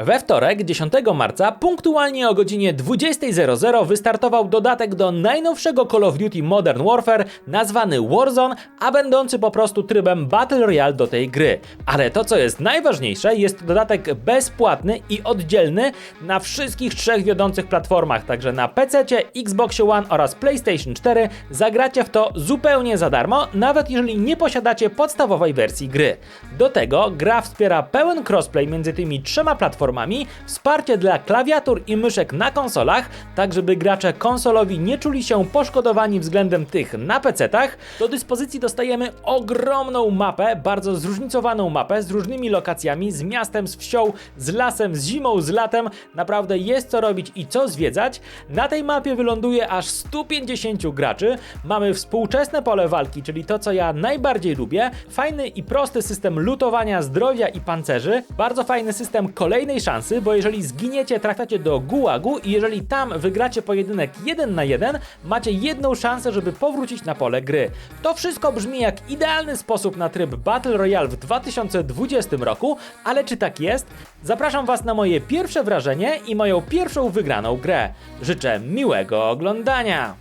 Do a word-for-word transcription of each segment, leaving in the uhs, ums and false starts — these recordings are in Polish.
We wtorek, dziesiątego marca, punktualnie o godzinie dwudziestej zero zero wystartował dodatek do najnowszego Call of Duty Modern Warfare nazwany Warzone, a będący po prostu trybem Battle Royale do tej gry. Ale to, co jest najważniejsze, jest dodatek bezpłatny i oddzielny na wszystkich trzech wiodących platformach, także na pececie, Xboxie One oraz PlayStation cztery zagracie w to zupełnie za darmo, nawet jeżeli nie posiadacie podstawowej wersji gry. Do tego gra wspiera pełen crossplay między tymi trzema platformami, wsparcie dla klawiatur i myszek na konsolach, tak żeby gracze konsolowi nie czuli się poszkodowani względem tych na pecetach. Do dyspozycji dostajemy ogromną mapę, bardzo zróżnicowaną mapę z różnymi lokacjami, z miastem, z wsią, z lasem, z zimą, z latem. Naprawdę jest co robić i co zwiedzać. Na tej mapie wyląduje aż stu pięćdziesięciu graczy. Mamy współczesne pole walki, czyli to, co ja najbardziej lubię. Fajny i prosty system lutowania zdrowia i pancerzy. Bardzo fajny system kolejnej szansy, bo jeżeli zginiecie, trafiacie do gułagu i jeżeli tam wygracie pojedynek jeden na jeden, macie jedną szansę, żeby powrócić na pole gry. To wszystko brzmi jak idealny sposób na tryb Battle Royale w dwa tysiące dwudziestym roku, ale czy tak jest? Zapraszam Was na moje pierwsze wrażenie i moją pierwszą wygraną grę. Życzę miłego oglądania!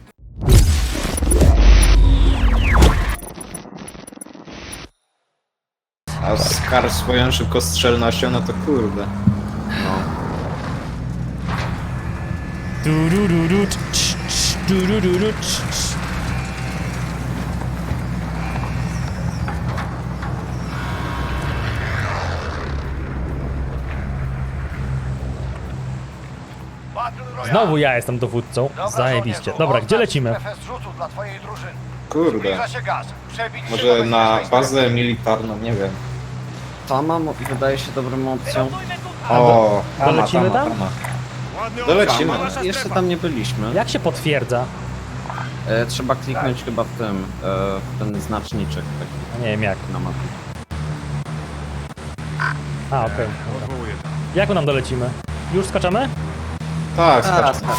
A Scar swoją szybkostrzelnością, no to kurde. No. Durururu, cz, cz, durururu, cz, cz. Znowu ja jestem dowódcą. Zajebiście. Dobra, gdzie lecimy? Kurde. Może na bazę militarną, nie wiem. Tama mo- wydaje się dobrą opcją. O, a dolecimy tam? Dolecimy. Tama, jeszcze tam nie byliśmy. Jak się potwierdza? E, trzeba kliknąć chyba w tym, e, w ten znaczniczek taki Nie wiem jak. na mapie. A, okej. Okay. Jak nam dolecimy? Już skaczemy? Tak, Zaraz, skacz.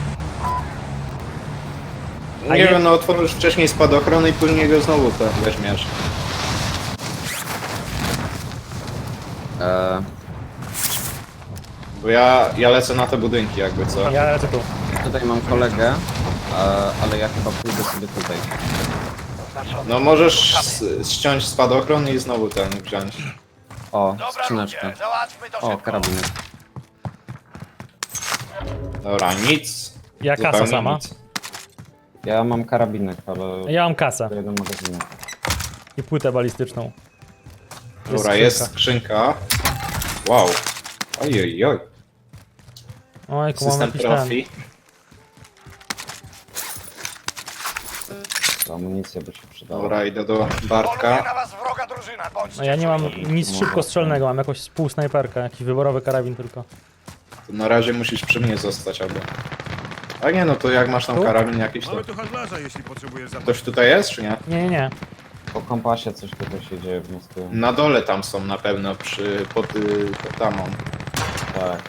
A Nie je- wiem, no otworzysz wcześniej spadochron i później go znowu tam weźmiesz. e, Bo ja, ja lecę na te budynki jakby, co? Ja lecę tu. Tutaj mam kolegę, e, ale ja chyba pójdę sobie tutaj. No możesz s- ściąć spadochron i znowu ten wziąć. O, skrzyneczkę. O, karabinek. Dobra, nic. Ja kasa Zupełnie sama. nic. Ja mam karabinek, ale Ja mam kasę to jeden magazynek. i płytę balistyczną. Dobra, jest skrzynka. Wow. Ojej, oj. Ojku, mam System jakiś ten. profi. To amunicja by się przydała. Dobra, idę do Bartka. No ja nie mam nic szybkostrzelnego, mam jakąś półsnajperkę, jakiś wyborowy karabin tylko. To na razie musisz przy mnie zostać albo. A nie, no to jak masz tam Tu? karabin jakiś, to Mamy tu handlarza, jeśli potrzebujesz zapłacić. ktoś tutaj jest, czy nie? Nie, nie, nie. Po kompasie coś tutaj się dzieje w mózgu. Na dole tam są na pewno, przy, pod, y, pod tamą. Tak.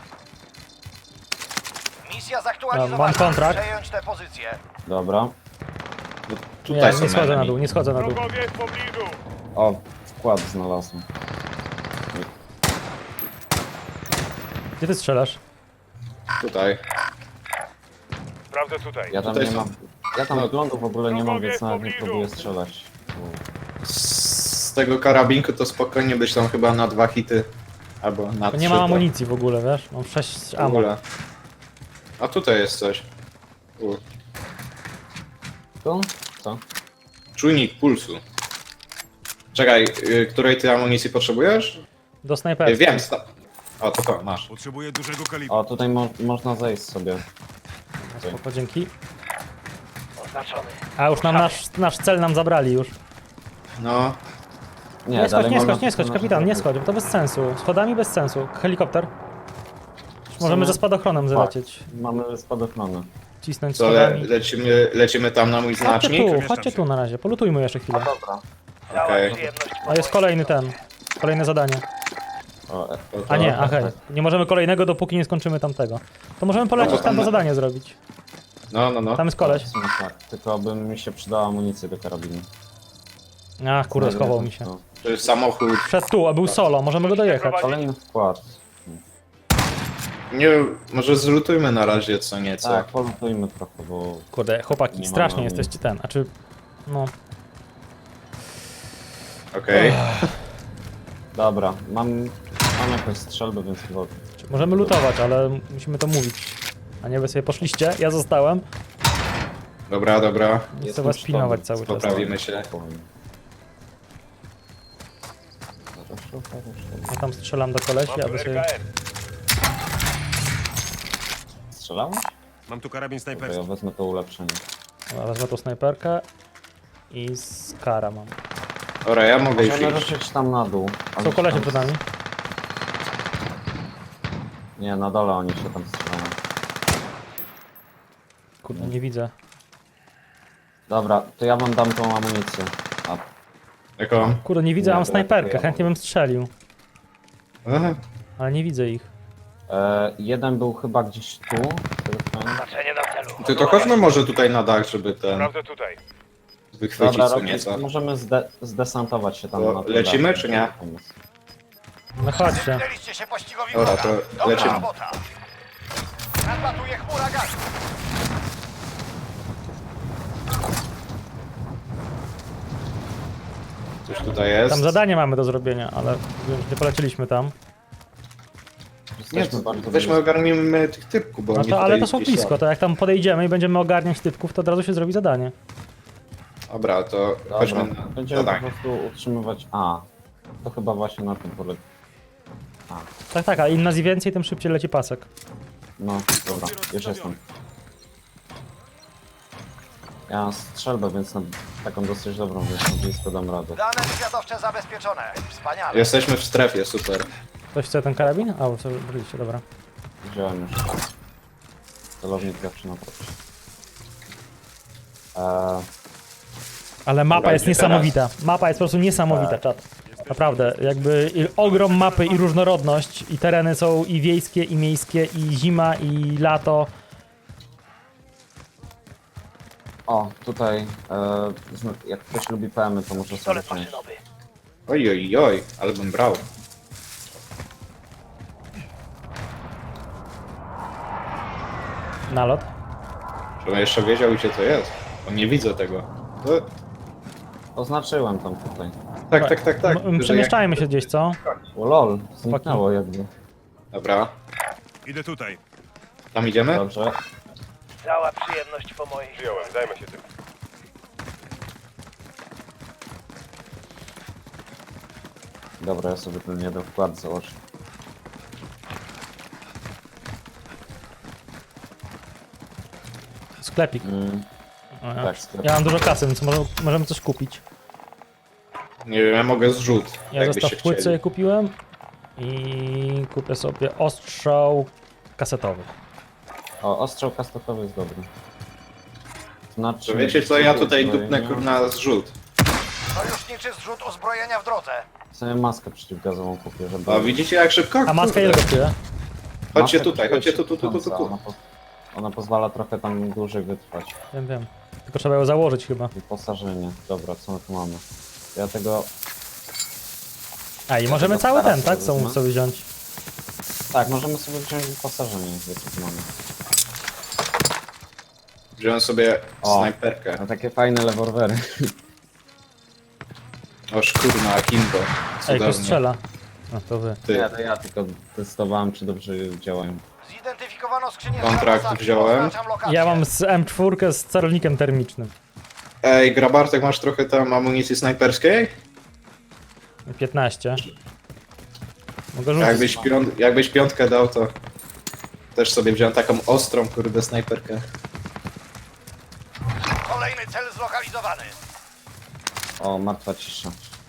Misja No, zaktualizowana. mam kontrakt. Przejąć tę pozycję. Dobra. Tutaj Nie, są nie schodzę na enemy. dół, nie schodzę na dół. Wrogowie w pobliżu! O, wkład znalazłem. Gdzie ty strzelasz? Tutaj. Sprawdzę tutaj. Ja tam Tutaj nie są- mam. Ja tam no. wyglądu w ogóle nie mam, więc nawet nie Wrogowie w próbuję pobliżu. strzelać. Z tego karabinku to spokojnie byś tam chyba na dwa hity. Albo na To trzy. nie mam to amunicji w ogóle, wiesz? Mam sześć w ammo. ogóle. A tutaj jest coś. U. Tu? Co? Czujnik pulsu. Czekaj, y, której ty amunicji potrzebujesz? Do Y, snajperki. wiem, sta- o to to, masz. Potrzebuję dużego kalibru. O, tutaj mo można zejść sobie. Spoko, dzięki. Oznaczony. A już nam nasz, nasz cel nam zabrali już. No, Nie, schodź, dalej nie można- schodź, nie schodź, kapitan, nie schodź, bo to bez sensu. Schodami bez sensu. Helikopter. Możemy ze spadochronem zlecieć. Mamy spadochrony. Cisnąć co, le, schodami. lecimy, lecimy tam na mój Chodźcie znacznik? tu, chodźcie tu na razie, polutujmy jeszcze chwilę. Dobra. Okej. Przyjemność A jest kolejny ten, kolejne zadanie. O, e, To- to- A nie, aha, nie możemy kolejnego, dopóki nie skończymy tamtego. To możemy polecieć No bo tam to tam- zadanie zrobić. No, no, no. Tam jest koleś. w sumie tak. Tylko by mi się przydała amunicja do karabinu. Ach, kurde, schował mi się. No. To jest samochód. Wszedł tu, a był solo, możemy go dojechać. Kolejny wkład. Nie, może zlutujmy na razie co nieco. Tak, polutujmy trochę, bo... Kurde, chłopaki, Nie strasznie mamy. jesteście ten, a czy... No, Okej. Dobra, mam... Mam jakąś strzelbę, więc chyba... czy możemy lutować, ale musimy to mówić. A nie wy sobie poszliście, ja zostałem. Dobra, dobra. Chcę Jestem was przy pilnować tobie. cały czas. Poprawimy się. Spokojnie. Zaraz szukam, szukam. Ja tam strzelam do kolesi, Mam tu aby R sobie... K M. Strzelałeś? Mam tu karabin Dobra, ja snajperski. wezmę to ulepszenie. Dobra, wezmę tą snajperkę i skara mam. Dobra, ja mogę już Możemy iść. ruszyć tam na dół. ale Są się kolesie tam- przed nami. Nie, na dole oni się tam strzelają. Kurde, nie widzę. Dobra, to ja wam dam tą amunicję. A, Jaką? Kurde, nie widzę, Nie, mam to snajperkę, ja chętnie bym strzelił. Aha. Ale nie widzę ich. e, jeden był chyba gdzieś tu. z tego co pamiętam. Oznaczenie na celu. Ty to chodźmy może tutaj na dach, żeby ten Sprawdzę tutaj. wychwycić Dobra, co robię, nieco. możemy zde desantować się tam To na ten lecimy, dach. czy nie? No chodźcie. Zbliżyliście się pościgowi Dobra, wroga. to Dobra lecimy. robota. Nadlatuje chmura gazu. Coś tutaj jest. Tam zadanie mamy do zrobienia, ale wiem, że nie poleciliśmy tam. Nie, Jesteśmy to bardzo weźmy blisko. ogarnijmy tych typków, bo No oni to, ale tutaj to są gdzieś blisko, to jak tam podejdziemy i będziemy ogarniać typków, to od razu się zrobi zadanie. Dobra, to Dobra, chodźmy na będziemy po zadanie. prostu utrzymywać... A, to chyba właśnie na tym polega. A, Tak, tak, a im nas więcej, tym szybciej leci pasek. no, dobra, już jestem. Ja mam strzelbę, więc na taką dosyć dobrą, więc na blisko dam radę. Dane wywiadowcze zabezpieczone. Wspaniale. Jesteśmy w strefie, super. Ktoś chce ten karabin? A, sobie byliście, dobra. Wziąłem już. Celownik zawsze na procie. Eee, Ale mapa Dobra, jest gdzie niesamowita. Mapa jest po prostu niesamowita, Tak. czat. Naprawdę, jakby i ogrom mapy i różnorodność, i tereny są i wiejskie, i miejskie, i zima, i lato. o, tutaj, eee, zna- jak ktoś lubi P M y, to może sobie Pistolet wziąć. maszynowy. Oj, oj, oj, ale bym brał. Nalot. Żebym jeszcze wiedział, gdzie to jest. Bo nie widzę tego. No, Oznaczyłem tam tutaj. tak, tak, tak, tak. M- Przemieszczajmy się gdzieś, co? O lol, zniknęło jakby. Dobra, Idę tutaj. tam idziemy? Dobrze. Cała przyjemność po mojej. Wziąłem, zajmę się tym. Dobra, ja sobie ten jeden wkład założę. Sklepik. Mm, O, ja. tak, sklep. Ja mam dużo kasy, więc może, możemy coś kupić. Nie wiem, ja mogę zrzut. Ja jakbyście zestaw płyt chcieli. sobie kupiłem i kupię sobie ostrzał kasetowy. O, ostrzał kastetowy jest dobry. Znaczy... To wiecie co, ja tutaj uzbrojenia. dupnę kurna zrzut. Sojuszniczy zrzut uzbrojenia w drodze. Sobie maskę przeciwgazową kupię, żeby... O, widzicie jak szybko? A maska Kurde. ile kosztuje? Chodźcie Maskę tutaj, chodźcie tu, tu, tu, tu, tu, przeciwgazową, tu. Ona, po... ona pozwala trochę tam dłużej wytrwać. Wiem, wiem. Tylko trzeba ją założyć chyba. Wyposażenie. Dobra, co my tu mamy? Ja tego... A i możemy tego cały stara ten, tak? sobie Co wezmę. sobie wziąć? Tak, możemy sobie wziąć wyposażenie, jakie tu mamy. Wziąłem sobie O. snajperkę. No takie fajne leworwery. O szkurna, Akimbo. Ej, Cudownie. ktoś strzela. No to wy. Ty. Ja, to ja tylko testowałem, czy dobrze działają. Zidentyfikowano skrzynię Kontrakt transakcji. wziąłem. Oznaczam lokację. Ja mam z M cztery z celownikiem termicznym. Ej, Grabartek, masz trochę tam amunicji snajperskiej? piętnaście. Mogę rzucić. Jakbyś, piąt, jakbyś piątkę dał, to też sobie wziąłem taką ostrą, kurde, snajperkę. Kolejny cel zlokalizowany. O, martwa cisza.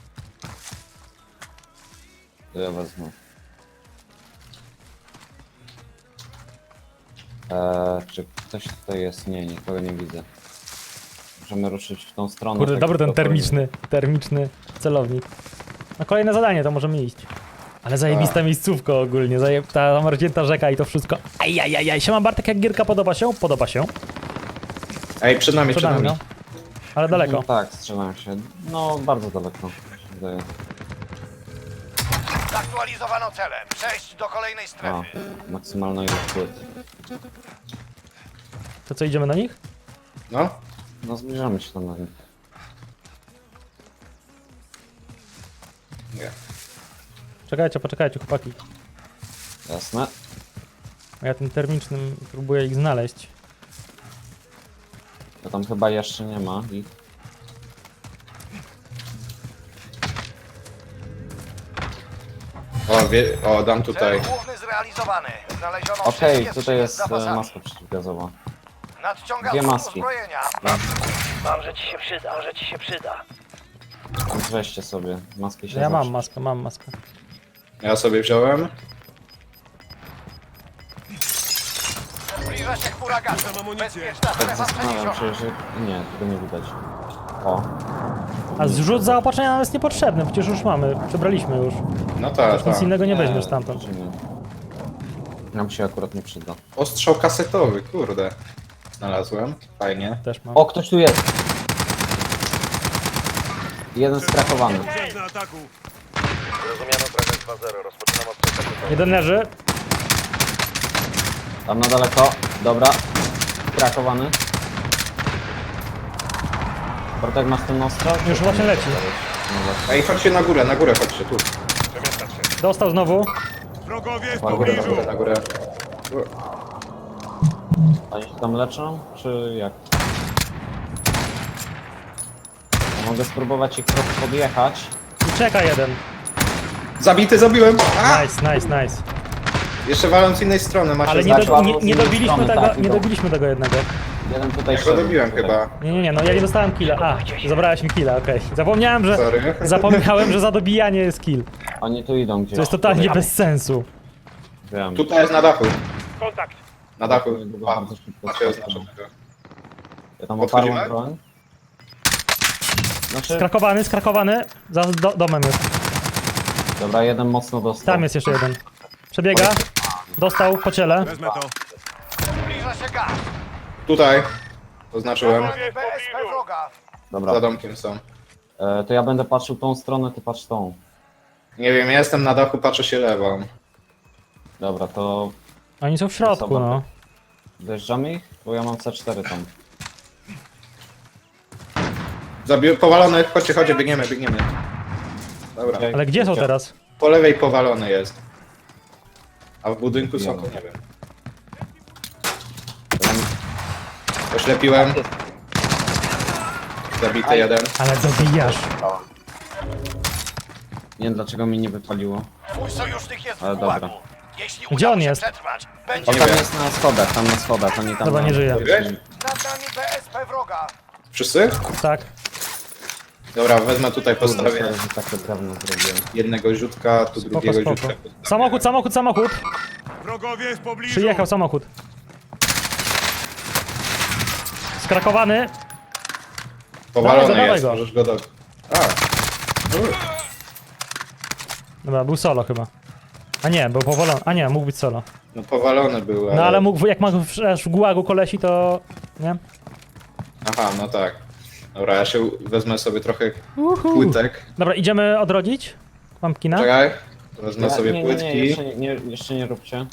To ja wezmę. Eee, czy ktoś tutaj jest? Nie, nikogo nie widzę. Możemy ruszyć w tą stronę. Kurde, tak dobry ten spokojnie. termiczny, termiczny celownik. No kolejne zadanie, to możemy iść. Ale zajebista miejscówka ogólnie, zaje... ta zamarznięta rzeka i to wszystko. Ajajajaj, siema Bartek, jak gierka podoba się? Podoba się. Ej, przed nami, Przed przed nami, nami. no. Ale daleko. No, tak, strzelam się. No, bardzo daleko. Mi się wydaje. Zaktualizowano cele. Przejść do kolejnej A, strefy. maksymalna ilość płyt. To co, idziemy na nich? No, No zbliżamy się tam na nich. nie. Czekajcie, poczekajcie, chłopaki. Jasne. A ja tym termicznym próbuję ich znaleźć. To tam chyba jeszcze nie ma ich. O, wie, o, dam tutaj. Cel główny zrealizowany. Znaleziono Okej, wszystkie tutaj skrzynie jest z e, zapasami. maska przeciwgazowa. Nadciąga Dwie zrzut maski. uzbrojenia. Może ci się przyda, może ci się przyda. Weźcie sobie, maski się Ja mam zawsze- maskę, mam maskę. Ja sobie wziąłem. Zbliża się chmura gazu. Mam amunicję. Bezpieczna Tak strefa zastanawiam przeniesiona. się, że... Nie, tego nie widać. O, A zrzut zaopatrzenia nam jest niepotrzebny, przecież już mamy, przebraliśmy już. No tak, Nic tak. innego nie weźmiesz stamtąd. czy nie. Nam się akurat nie przyda. Ostrzał kasetowy, kurde. Znalazłem, fajnie. Też mam. O, ktoś tu jest! Jeden skrakowany. Brzeg na ataku. Zrozumiano prezent dwa zero. Rozpoczynam od Jeden leży. Tam na daleko. Dobra. Skrakowany. Bartek, masz ten ostrzał? Już właśnie leci. No właśnie. Ej, chodźcie na górę, na górę chodźcie, tu. Przemieszczać się. Dostał znowu. Wrogowie w Na górę, na pobliżu. górę, na górę. Oni się tam leczą, czy jak? Ja mogę spróbować ich trochę podjechać. I czeka jeden. Zabity, zabiłem! A! Nice, nice, nice. Jeszcze walą z innej strony, macie Ale nie, znać. do, nie, albo z nie innej dobiliśmy strony, tego, tak, nie idą. dobiliśmy tego jednego. Jeden tutaj Ja go szedł, dobiłem tutaj. chyba. Nie, nie, nie, no ja nie dostałem killa. A, zabrałeś mi killa, okej. Zapomniałem, że... Sorry. Zapomniałem, że za dobijanie jest kill. Oni tu idą gdzieś. To jest totalnie bez sensu. Wiem. Tutaj jest na dachu. Kontakt. Na dachu. Niedługo A, bardzo szybko macie skoczą. oznaczonego. Ja tam Podchodzimy? oparłem broń. Znaczy, Skrakowany, skrakowany. Za do, domem jest. dobra, jeden mocno dostał. Tam jest jeszcze jeden. Przebiega. Dostał po ciele. Wezmę to. Zbliża się gaz. Tutaj. Oznaczyłem. B S P wroga. Dobra, Za domkiem są. e, to ja będę patrzył tą stronę, ty patrz tą. Nie wiem, ja jestem na dachu, patrzę się lewą. Dobra, to Oni są w środku, no. dojeżdżamy ich? Bo ja mam C cztery tam. Zabił, powalony, chodźcie, chodźcie, biegniemy, biegniemy. Dobra. Okej. Ale gdzie są teraz? Po lewej powalony jest. A w budynku są, to nie wiem. Oślepiłem. Zabity jeden. Ale dobijasz. Nie wiem dlaczego mi nie wypaliło. Twój sojusznik jest Ale w dobra. pułagu. Jeśli Gdzie uda on mu się jest? przetrwać, O, będzie Nie tam wiem. jest na schodach, tam na schodach, oni tam... Dobra, na- nie żyje. Wiesz? nad nami B S P wroga. Wszyscy? Tak. Dobra, wezmę tutaj, Kurde, postawię sorry, że takie drewno zrobiłem. jednego rzutka, tu Spoko, drugiego spoko. rzutka. Samochód, samochód, samochód. Wrogowie w pobliżu. Przyjechał samochód. Skrakowany. Powalony Dawaj, jest, dawaj go. możesz go do... A, Dobra, był solo chyba. A nie, był powolony. A nie, mógł być solo. no powalony był, ale... No ale mógł, jak ma w, aż w gułagu kolesi, to... Nie? Aha, no tak. Dobra, ja się wezmę sobie trochę Uhu. płytek. Dobra, idziemy odrodzić? Pumpkina? Czekaj, wezmę sobie nie, nie, płytki. nie, jeszcze nie, nie, jeszcze nie róbcie.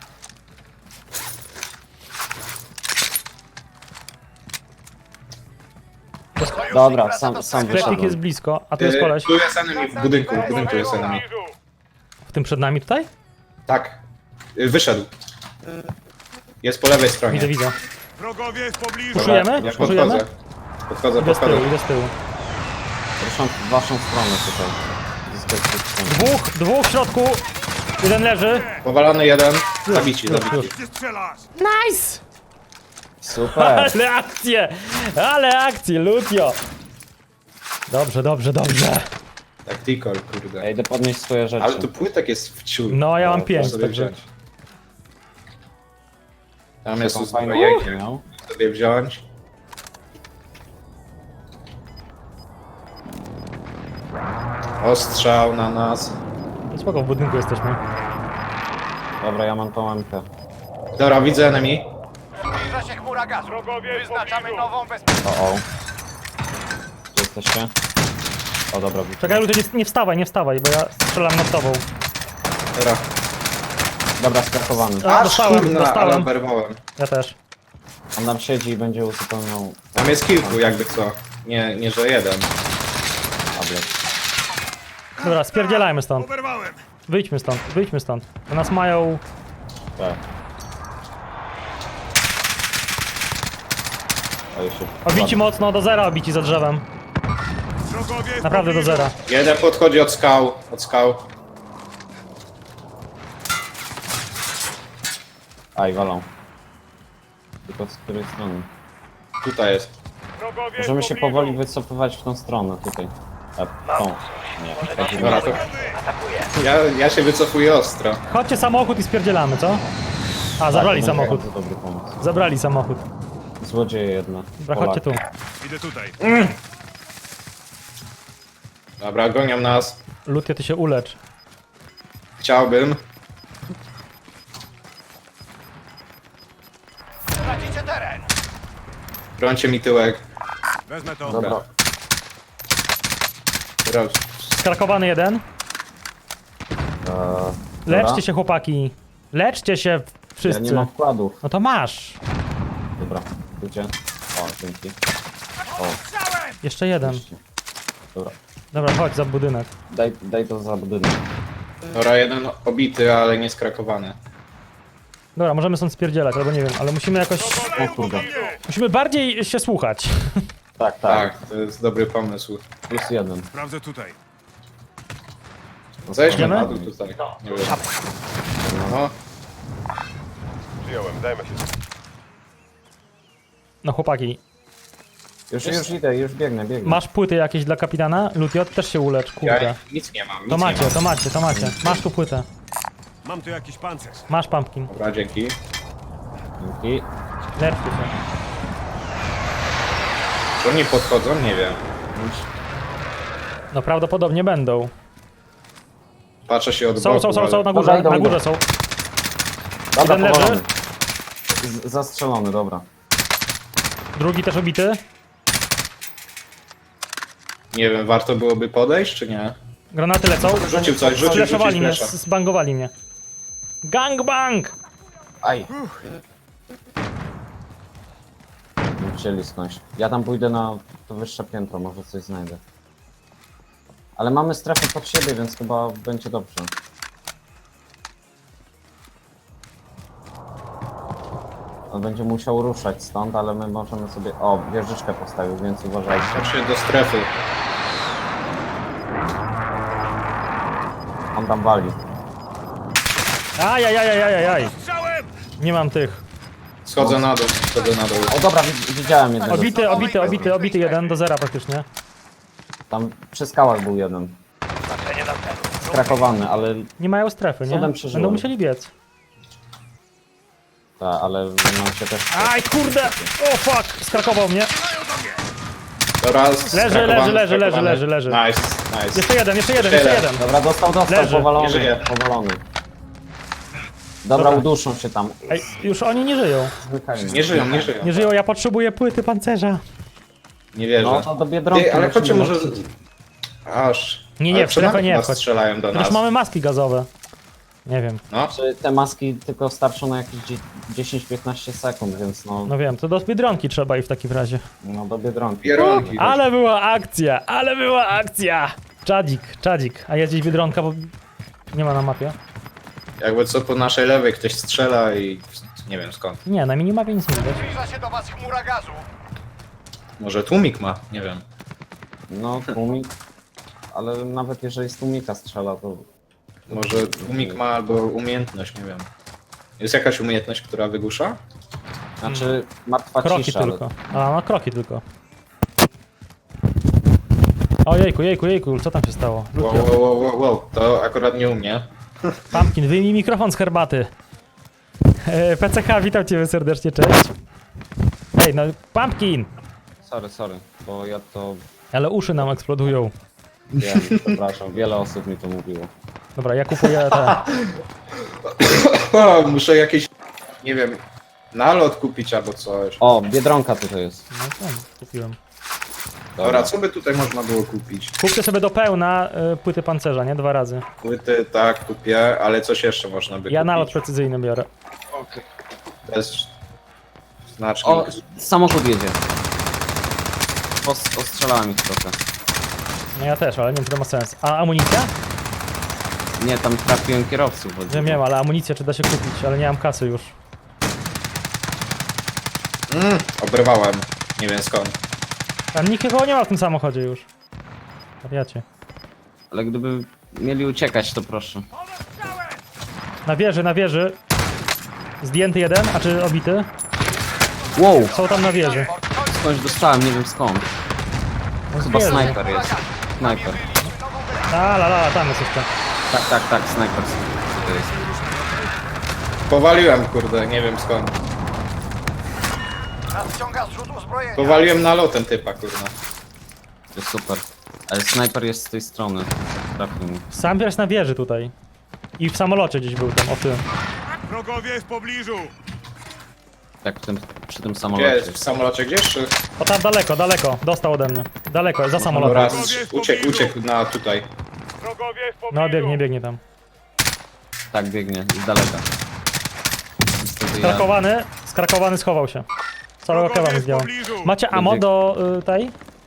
Sojusznik Dobra, wraca sam- do sam strefy. wyszedłem. Sklepik jest blisko, a tu jest Y, koleś. Tu jest enemy, w budynku, w budynku jest enemy. W tym przed nami tutaj? Tak. Y, Wyszedł. Jest po lewej stronie. Widzę, widzę. Wrogowie w pobliżu. Dobra, Puszujemy? Ja Puszujemy? podchodzę. Podchodzę, Idę z tyłu, podchodzę. idę z tyłu. Proszę w waszą stronę tutaj. Zyskać stronę. Dwóch, dwóch w środku. Jeden leży. Powalony jeden. Zabici, już, zabici. już. Gdzie strzelasz? Nice! Super! Ale akcje! Ale akcje, Lutio! Dobrze, dobrze, dobrze. Tactical, kurde. Ja idę podnieść swoje rzeczy. Ale tu płytek jest w ciul. No, ja mam to pięć, sobie także... wziąć. Tam jest Taką fajną uzbrojenie, rzecz miał. sobie wziąć. Ostrzał na nas. Spoko, w budynku jesteśmy. Dobra, ja mam tą łamkę. Dobra, widzę enemy. Zbliża się chmura gazu. Wrogowie w Wyznaczamy pobliżu. nową bezpieczną. O, o. Gdzie jesteście? O, dobra, widzę. Czekaj, Lutio, nie, nie wstawaj, nie wstawaj, bo ja strzelam nad tobą. Dobra. Dobra, skakowany. A, Aż, dostałem, kurna, ale dostałem. oberwałem. Ja też. On tam siedzi i będzie uzupełniał Tam jest kilku, jakby co. Nie, nie że jeden. tablet. Dobra, spierdzielajmy stąd. Oberwałem. Wyjdźmy stąd, wyjdźmy stąd. Bo nas mają... Tak. A jeszcze... Obici mocno, do zera obici za drzewem. Wrogowie w Naprawdę do pobliżu. zera. Jeden podchodzi od skał, od skał. Aj, walą. Tylko z której strony? Tutaj jest. Wrogowie w Możemy się pobliżu. powoli wycofywać w tą stronę tutaj. A, tą. Nie, tak Dobra, to... Ja, ja się wycofuję ostro. Chodźcie samochód i spierdzielamy, co? A, zabrali samochód. To dobry pomysł. Zabrali samochód. Złodzieje jedna. Dobra, chodźcie tu. Idę tutaj. Dobra, gonią nas. Lutie, ty się ulecz. Chciałbym. Tracicie teren. Brońcie mi tyłek. Wezmę to. Dobra. Dobra. Skrakowany jeden. Eee, Leczcie dobra. się, chłopaki. Leczcie się Ja wszyscy. nie mam wkładów. No to masz. Dobra, gdzie? O, dzięki. O, Jeszcze jeden. wreszcie. Dobra, Dobra, chodź za budynek. daj, daj to za budynek. Dobra, jeden obity, ale nie skrakowany. Dobra, możemy stąd spierdzielać, albo nie wiem, ale musimy jakoś... Wrogowie w O kurde. pobliżu. Musimy bardziej się słuchać. Tak, tak. Tak, to jest dobry pomysł. Plus jeden. Sprawdzę tutaj. Zejdźmy Idziemy? na dół tutaj. Nie wiem. No, Przyjąłem, dajmy się. No chłopaki, Już, już idę, już biegnę, biegnę. masz płyty jakieś dla kapitana? Lutiot też się ulecz, ja kurde. nic nie mam. Nic To nie macie, mam. to macie, to macie. Masz tu płytę. Mam tu jakiś pancerz. Masz pumpkin. Dobra, dzięki. Dzięki. Leczcie się. Czy oni podchodzą? Nie wiem. No prawdopodobnie będą. Patrzę się od Są, boku, są, są, ale... są na Dobra, górze, idą, na idą. górze są. Dobra, Jeden leży. powalony. Z- Zastrzelony, dobra. Drugi też obity. Nie wiem, warto byłoby podejść, czy nie? Granaty lecą. Rzucił coś, rzucił, rzucił Sfleszowali mnie, flesza. zbangowali mnie. Gangbang! Aj. Nie chcieli skądś. Ja tam pójdę na to wyższe piętro, może coś znajdę. Ale mamy strefę pod siebie, więc chyba będzie dobrze. On będzie musiał ruszać stąd, ale my możemy sobie... O, wieżyczkę postawił, więc uważajcie. Patrzę do strefy. On tam wali. Ajajajajajaj. Strzałem! Nie mam tych. Schodzę na dół, schodzę na dół. O dobra, wi- widziałem jednego. Obity, obity, obity, obity jeden do zera praktycznie. Tam przy skałach był jeden. Znaczenie na celu. Skrakowany, ale... Nie mają strefy, nie? Cudem przeżyłem. Będą musieli biec. Ta, ale nam się też... Aj, kurde! O fuck! Skrakował mnie. Dobra, leży, leży, leży, leży, leży. Nice, nice. Jeszcze jeden, jeszcze jeden, Jeszcze jeszcze jeden. jeden. Dobra, dostał, dostał, Leży. Nie powalony, żyje. powalony. Dobra, Dobra. uduszą się tam. Ej, już oni nie żyją. Zmykajmy. Nie żyją, nie żyją. Nie żyją, ja potrzebuję płyty pancerza. Nie wierzę. No to do Biedronki. Ty, ale musimy chodźcie może... lecieć. Aż... Nie, nie, Ale w strefę przed nie nas wchodź. strzelają do Przecież nas. mamy maski gazowe. Nie wiem. No, Czy te maski tylko starczą na jakieś dziesięć piętnaście sekund, więc no, No wiem, to do Biedronki trzeba i w takim razie. no do Biedronki. pierogi. Ale była akcja, ale była akcja! Czadzik, czadzik. A jest gdzieś Biedronka, bo nie ma na mapie. Jakby co po naszej lewej ktoś strzela i... Nie wiem skąd. Nie, na minimapie nic nie widać. Zbliża się do was chmura gazu. Może tłumik ma? Nie wiem. No, tłumik. Ale nawet jeżeli z tłumika strzela, to... Może tłumik ma albo umiejętność, nie wiem. Jest jakaś umiejętność, która wygłusza? Znaczy, martwa Kroki cisza, tylko. A, no kroki tylko. O jejku, jejku, jejku, co tam się stało? Wow, wow, wow, wow, wow. To akurat nie u mnie. Pumpkin, wyjmij mikrofon z herbaty. E, P C H, witam cię serdecznie, cześć. Ej, no Pumpkin! ale... Sorry, sorry, bo ja to... Ale uszy nam eksplodują. Wiem, przepraszam, wiele osób mi to mówiło. Dobra, ja kupuję te. O, muszę jakieś... Nie wiem... Nalot kupić albo coś. O, Biedronka tutaj jest. No tam, kupiłem. Dobra, co by tutaj można było kupić? Kupcie sobie do pełna y, płyty pancerza, nie? Dwa razy. Płyty, tak, kupię, ale coś jeszcze można by Ja kupić. nalot precyzyjny biorę. Bez znaczki. O, samochód jedzie. Pos- Ostrzelałem ich trochę. No ja też, ale nie wiem, czy to ma sens. A amunicja? Nie, tam trafiłem kierowców. chodzi. Nie wiem, ale amunicję czy da się kupić, ale nie mam kasy już. Mm, obrywałem. Nie wiem skąd. A nikt nikogo nie ma w tym samochodzie już. Wariacie. Ale gdyby mieli uciekać, to proszę. Na wieży, na wieży. Zdjęty jeden, a czy obity? Wow! Są tam na wieży. Skądś dostałem, nie wiem skąd. No z Chyba wieży. snajper jest. Snajper. A, la, la, tam jest jeszcze. Tak, tak, tak, snajper. To jest. Powaliłem, kurde, nie wiem skąd. Nadciąga zrzut uzbrojenia. Powaliłem nalotem typa, kurde. To jest super. Ale snajper jest z tej strony. Trafił mi. Sam jest na wieży tutaj. I w samolocie gdzieś był tam, o tym. Wrogowie w pobliżu! Tak, w tym, przy tym Gdzie samolocie. jest? W samolocie gdzieś? Czy... O tam daleko, daleko. Dostał ode mnie. Daleko, za samolotem. Raz uciekł, uciekł na tutaj. Wrogowie w pobliżu! No biegnie, biegnie tam. Tak, biegnie, z daleka. Niestety ja... Skrakowany, skrakowany schował się. Całego Wrogowie kewa mi w zdjął. pobliżu! Macie ammo do y, tej?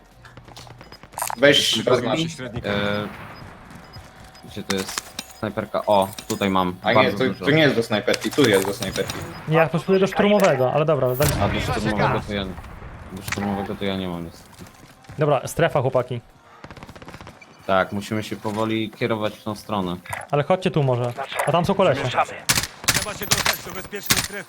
Weź zaznacz. Średnika. E... Gdzie to jest? Snajperka. O, tutaj mam. A nie, Bardzo to, dużo. to nie jest do snajperki, tu jest do snajperki. Nie, ja potrzebuję do szturmowego, ale dobra, daliśmy. A do szturmowego to ja... Do szturmowego to ja nie mam niestety. Dobra, strefa chłopaki. Tak, musimy się powoli kierować w tą stronę. Ale chodźcie tu może. A tam są kolesie. Trzeba się dostać do bezpiecznej strefy.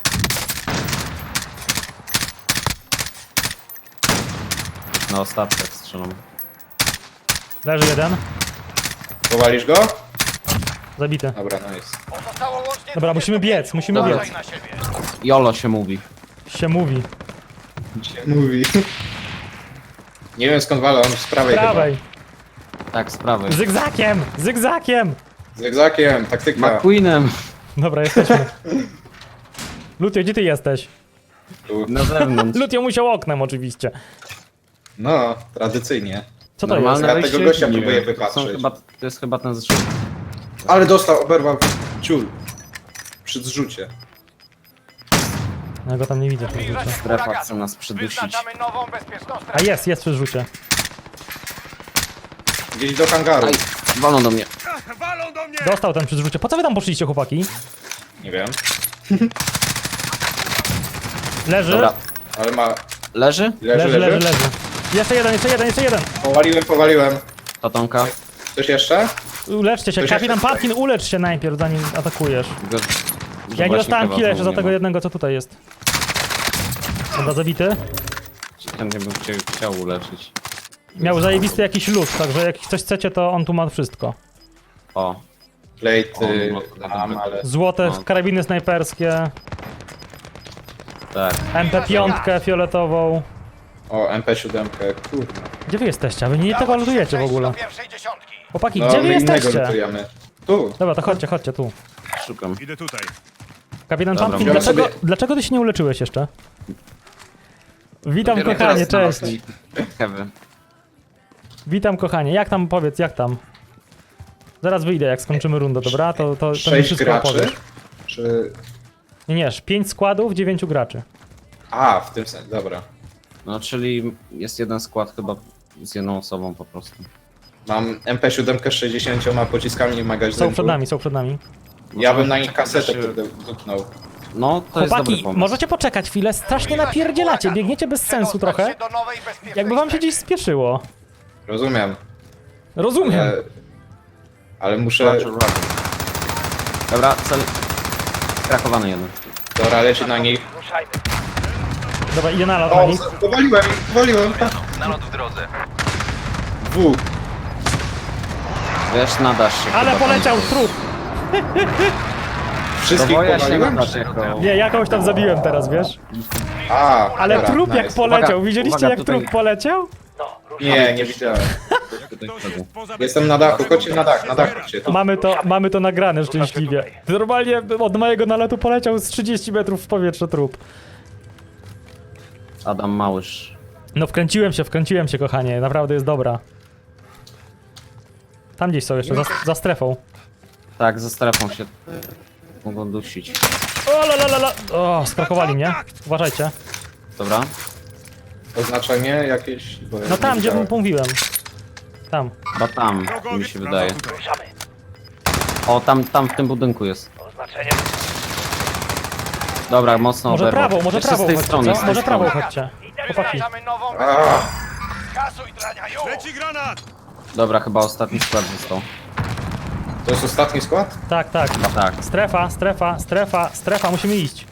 Na ostatkach strzelam. Leży jeden, Powalisz go? zabity. Dobra, no jest. Pozostało łącznie Dobra, musimy biec, musimy Dobra. biec. na siebie. Jolo się mówi. Się mówi. Mówi. Nie wiem skąd walę, on z prawej, Prawej. Tak, z prawej. Zygzakiem! Zygzakiem! chyba. Z egzakiem, taktyka. McQueenem! Dobra, jesteśmy. Lutio, gdzie ty jesteś? Tu. Na zewnątrz. Lutio musiał oknem oczywiście. No, tradycyjnie. Co to Normalne Ja wejście? tego gościa Nie próbuję wiem. To, są wypatrzeć. chyba, to jest chyba ten zrzut. Ale dostał, oberwał ciul. Przy zrzucie. Ja go tam nie widzę przy Zbliża rzucie. się Strefa huragan. chce nas przydusić. Wyznaczamy nową bezpieczną A strefę. jest, jest przy rzucie. Gdzieś do hangaru. Aj, walą do mnie. Ach, walą do mnie! Dostał ten przy rzucie. Po co wy tam poszliście, chłopaki? Nie wiem. Leży, Dobra, Ale ma... leży? Leży, leży, leży. leży, leży. Jeszcze jeden, jeszcze jeden, jeszcze jeden. Powaliłem, powaliłem. Tatonka. Coś jeszcze? Uleczcie się, Ktoś kapitan jeszcze Patkin, ulecz się najpierw, zanim atakujesz. Go, Ja nie dostałem killa jeszcze za tego jednego, co tutaj jest. Dobra, zabity. Chętnie bym cię chciał uleczyć. Miał zajebisty jakiś lód, także jak coś chcecie, to on tu ma wszystko. O, Plate O, no, mam, dobra. ale... Złote No. karabiny snajperskie, tak. M P pięć fioletową. O, M P siedem, kurde. Gdzie wy jesteście? Wy nie tego lutujecie w ogóle. Do pierwszej dziesiątki. Chłopaki, No, gdzie wy my innego jesteście? lutujemy. Tu. Dobra, to chodźcie, chodźcie tu. Szukam. Idę tutaj. Kapitan Dobra, Pumpkin, biorę dlaczego, sobie- dlaczego ty się nie uleczyłeś jeszcze? Witam Dopiero kochanie, teraz cześć. znalazłem Kewy. Witam kochanie, jak tam, powiedz, jak tam? Zaraz wyjdę, jak skończymy rundę, dobra? To, to, to mi Sześć wszystko graczy? opowiesz. Czy... Nie, nie, pięć składów, dziewięciu graczy. A, w tym sensie, dobra. No, czyli jest jeden skład chyba z jedną osobą po prostu. Mam M P siedem z sześćdziesięcioma pociskami w magazynku. Są przed nami, są przed nami. Ja bym na nich kasetę Się- kurde dupnął. No, to jest dobry Chłopaki, pomysł. możecie poczekać chwilę, strasznie napierdzielacie, biegniecie bez sensu Przedostać trochę. się do nowej bezpiecznej Jakby wam się strefy. gdzieś spieszyło. Rozumiem. Rozumiem. Ale, ale muszę... Roger, roger. Dobra, cel... Krakowany jeden. Dobra, leci na nich. Ruszajmy. Dobra, idzie nalot na O, nich. powaliłem, powaliłem. Nalot w drodze. Dwóch. Wiesz, nadasz się Ale chyba poleciał tam. trup. Wszystkich Woja się powaliłem? nadasz jako... Nie, jakąś tam zabiłem teraz, wiesz? A, Ale dobra, trup jak nice. poleciał, Uwaga, widzieliście uwaga, jak tutaj- trup poleciał? Nie, nie widziałem. Tutaj Ktoś wchodzę. jest poza Jestem na dachu, chodźcie na dach, na dach chodźcie. Tu. Mamy to, mamy to nagrane szczęśliwie. Normalnie od mojego nalotu poleciał z trzydziestu metrów w powietrze trup. Adam Małysz. No wkręciłem się, wkręciłem się, kochanie, naprawdę jest dobra. Tam gdzieś są jeszcze, za, za strefą. Tak, ze strefą się mogą dusić. O, la, la, la, la. O, skrakowali mnie. Uważajcie. Dobra. Oznaczenie jakieś... bo ja No nie tam, gdzie widziałem. mówiłem. Tam. Chyba tam, Wrogowie mi się wraca wydaje. tutaj. Ruszamy. O, tam, tam w tym budynku jest. Oznaczenie. Dobra, mocno Może oberwał. prawą, może Jeszcze prawą z tej chodźcie, strony, co? z tej Może prawą strony. chodźcie. Chłopaki. Wyznaczamy nową Ach, Kasuj drania, już! Leci granat! Dobra, chyba ostatni skład został. to jest ostatni skład? Tak, tak. Chyba tak. Strefa, strefa, strefa, strefa, musimy iść.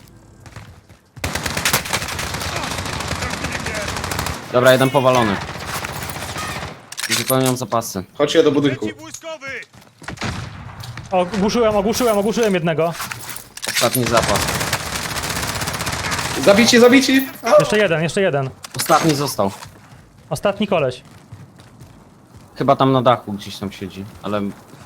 Dobra, jeden powalony. Zupełniam zapasy. Chodźcie do budynku. Przeciwwojskowy! Ogłuszyłem, ogłuszyłem, ogłuszyłem jednego. Ostatni zapas. Zabici, zabici! Jeszcze jeden, jeszcze jeden. Ostatni został. Ostatni koleś. Chyba tam na dachu gdzieś tam siedzi, ale...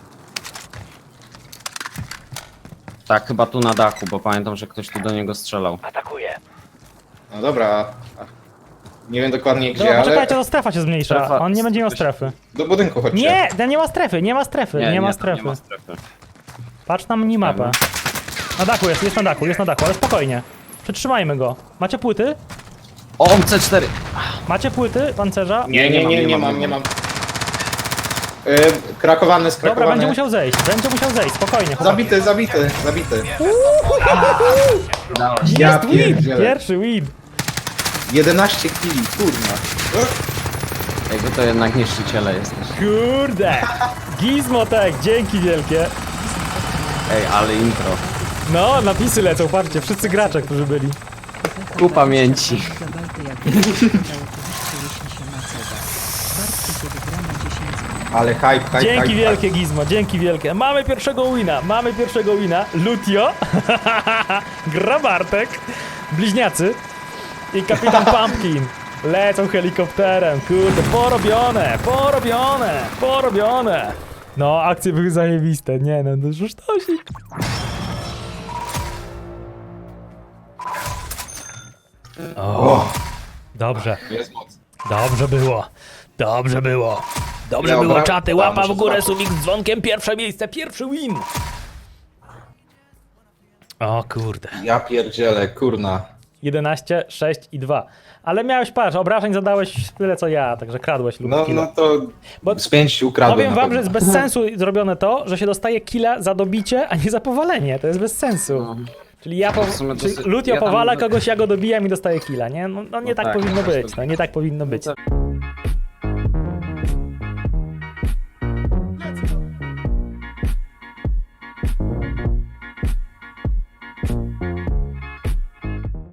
Tak, chyba tu na dachu, bo pamiętam, że ktoś tu do niego strzelał. Atakuje. No dobra. a- Nie wiem dokładnie gdzie, Dobra, ale poczekajcie, to strefa się zmniejsza. Strefa- On nie będzie miał strefy. do budynku chodźcie. Nie, ten nie ma strefy, nie ma strefy, nie, ma tam strefy. Nie ma strefy. Patrz na minimapę. Na dachu jest, jest na dachu, jest na dachu, ale spokojnie. Przetrzymajmy go. Macie płyty? O, C cztery! Macie płyty pancerza? Nie, nie, nie, nie mam, nie mam. Yy, krakowany, Dobra, skrakowany. będzie musiał zejść, będzie musiał zejść, spokojnie. chłopaki. Zabity, zabity, zabity. Udało się. Ja Jest win! pierdzielę. Pierwszy win! jedenaście kili, kurna. Ej, wy to jednak niszczyciele jesteś. Kurde! Gizmotek, dzięki wielkie. Ej, ale intro. No, napisy lecą, patrzcie, wszyscy gracze, którzy byli. Ku pamięci. Zabalty jak udało powyższe się na cebę. Bartki kiedy gra na dziesięć. Ale hype, hype, Dzięki hype, wielkie, Gizmo, dzięki wielkie. Mamy pierwszego wina, mamy pierwszego wina. Lutio, gra Bartek, bliźniacy i kapitan Pumpkin. Lecą helikopterem, kurde, porobione, porobione, porobione. No, akcje były zajebiste, nie no, to już sztosik. O, dobrze. Jest moc. Dobrze było. Dobrze było. Dobrze Ja było, obra- czaty. Ja Łapa muszę w górę, zobaczyć. subik z dzwonkiem. Pierwsze miejsce, pierwszy win. O kurde. Ja pierdzielę, kurna. jedenaście, sześć i dwa. Ale miałeś, patrz, obrażeń zadałeś tyle co ja, także kradłeś lub No, killa. no to Bo- z pięć ukradłem. Powiem na wam, że pewno. jest bez sensu zrobione to, że się dostaje killa za dobicie, a nie za powalenie. To jest bez sensu. Czyli ja po... W sumie Czyli dosyć- Lutio ja tam- powala kogoś, ja go dobijam i dostaję killa, nie? No, no nie No tak, tak, powinno też być, to- no nie tak powinno być. Co-